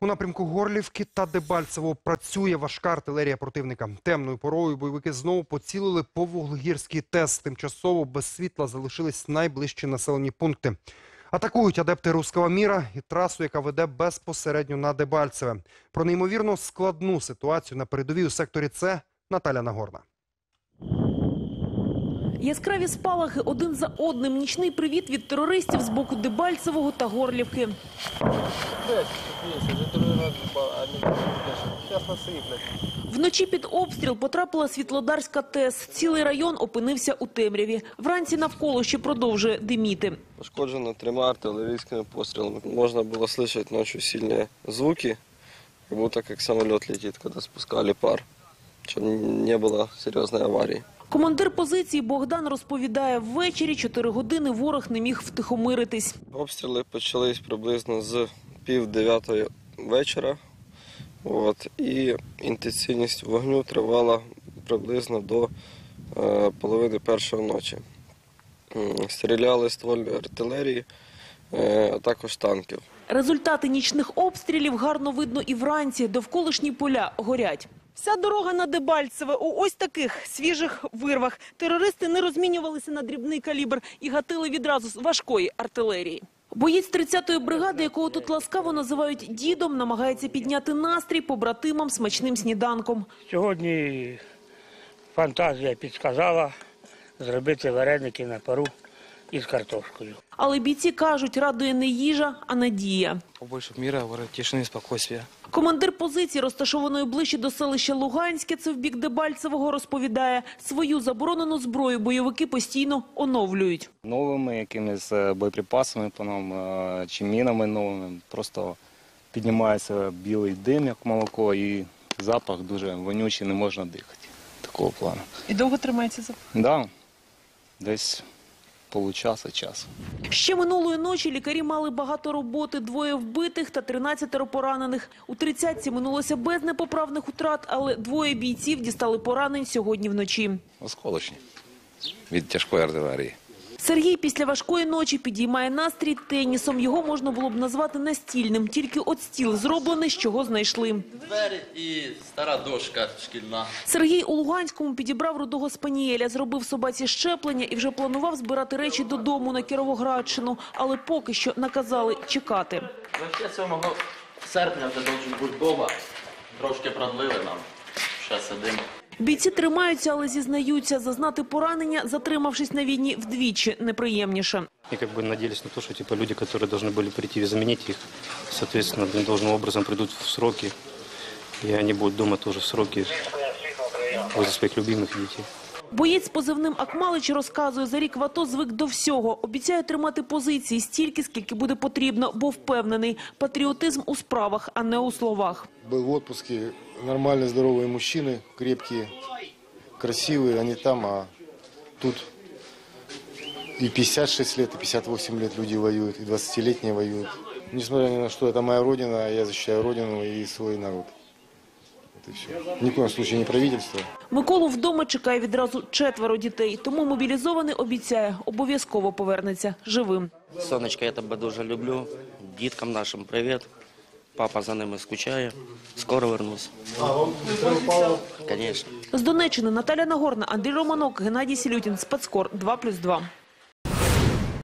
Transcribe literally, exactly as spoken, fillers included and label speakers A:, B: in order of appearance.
A: У напрямку Горлівки та Дебальцевого працює важка артилерія противника. Темною порою бойовики знову поцілили по Вуглегірській ТЕС. Тимчасово без світла залишились найближчі населені пункти. Атакують адепти Руського міра і трасу, яка веде безпосередньо на Дебальцеве. Про неймовірно складну ситуацію на передовій у секторі С Наталя Нагорна.
B: Яскраві спалахи один за одним. Нічний привіт від терористів з боку Дебальцевого та Горлівки. Вночі під обстріл потрапила Світлодарська ТЕС. Цілий район опинився у темряві. Вранці навколо ще продовжує диміти.
C: Пошкоджено трьома артиллерийскими пострелами. Можно было слышать ночью сильные звуки, как будто как самолет летит, когда спускали пар, чтобы не было серьезной аварии.
B: Командир позиції Богдан розповідає, ввечері чотири години ворог не міг втихомиритись.
C: Обстріли почались приблизно з пів дев'ятої вечора. От, і інтенсивність вогню тривала приблизно до е, половини першої ночі. Стріляли ствольної артилерії, е, а також танків.
B: Результати нічних обстрілів гарно видно і вранці. Довколишні поля горять. Вся дорога на Дебальцеве у ось таких свіжих вирвах. Терористи не розмінювалися на дрібний калібр і гатили відразу з важкої артилерії. Боєць тридцятої бригади, якого тут ласкаво називають дідом, намагається підняти настрій побратимам смачним сніданком.
D: Сьогодні фантазія підказала зробити вареники на пару із картошкою.
B: Але бійці кажуть, радує не їжа, а надія.
E: Побольше мира, тишини, спокійствия.
B: Командир позиції, розташованої ближче до селища Луганське, це в бік Дебальцевого, розповідає, свою заборонену зброю бойовики постійно оновлюють.
F: Новими якимись боєприпасами по нам, чи мінами новими. Просто піднімається білий дим, як молоко, і запах дуже вонючий, не можна дихати. Такого плану.
B: І довго тримається запах?
F: Так, да, десь получаса, час.
B: Ще минулої ночі лікарі мали багато роботи. Двоє вбитих та тринадцятеро поранених. У тридцятці минулося без непоправних утрат, але двоє бійців дістали поранень сьогодні вночі.
G: Осколочні від тяжкої артилерії.
B: Сергій після важкої ночі підіймає настрій тенісом. Його можна було б назвати настільним. Тільки от стіл зроблений, з чого знайшли.
H: Двері і стара дошка шкільна.
B: Сергій у Луганському підібрав рудого спанієля, зробив собаці щеплення і вже планував збирати речі додому на Кіровоградщину. Але поки що наказали чекати.
H: сьомого серпня вже должен бути вдома. Трошки продлили нам. Ще сидимо.
B: Бійці тримаються, але зізнаються, зазнати поранення, затримавшись на війні, вдвічі неприємніше.
E: И как бы надеялись на то, что типа люди, которые должны были прийти и заменить их, соответственно, должным образом придут в сроки, и они будут дома тоже в сроки возле своих любимых детей.
B: Боєць з позивним Акмалич розказує, за рік в АТО звик до всього. Обіцяє тримати позиції стільки, скільки буде потрібно, бо впевнений – патріотизм у справах, а не у словах.
I: Был в отпуске, нормальные, здоровые мужчины, крепкие, красивые, они там, а тут и пятьдесят шесть лет, и пятьдесят восемь лет люди воюют, и двадцатилетние воюют. Несмотря ни на что, это моя родина, я защищаю родину и свой народ. Вот и все. Ни в коем случае не правительство.
B: Миколу вдома чекає відразу четверо дітей, тому мобілізований обіцяє, обов'язково повернеться живим.
H: Сонечко, я тебе дуже люблю. Діткам нашим привіт. Папа за ними скучає. Скоро вернусь. Звісно.
B: З Донеччини Наталя Нагорна, Андрій Романок, Геннадій Сілютін, Спецкор, два плюс два.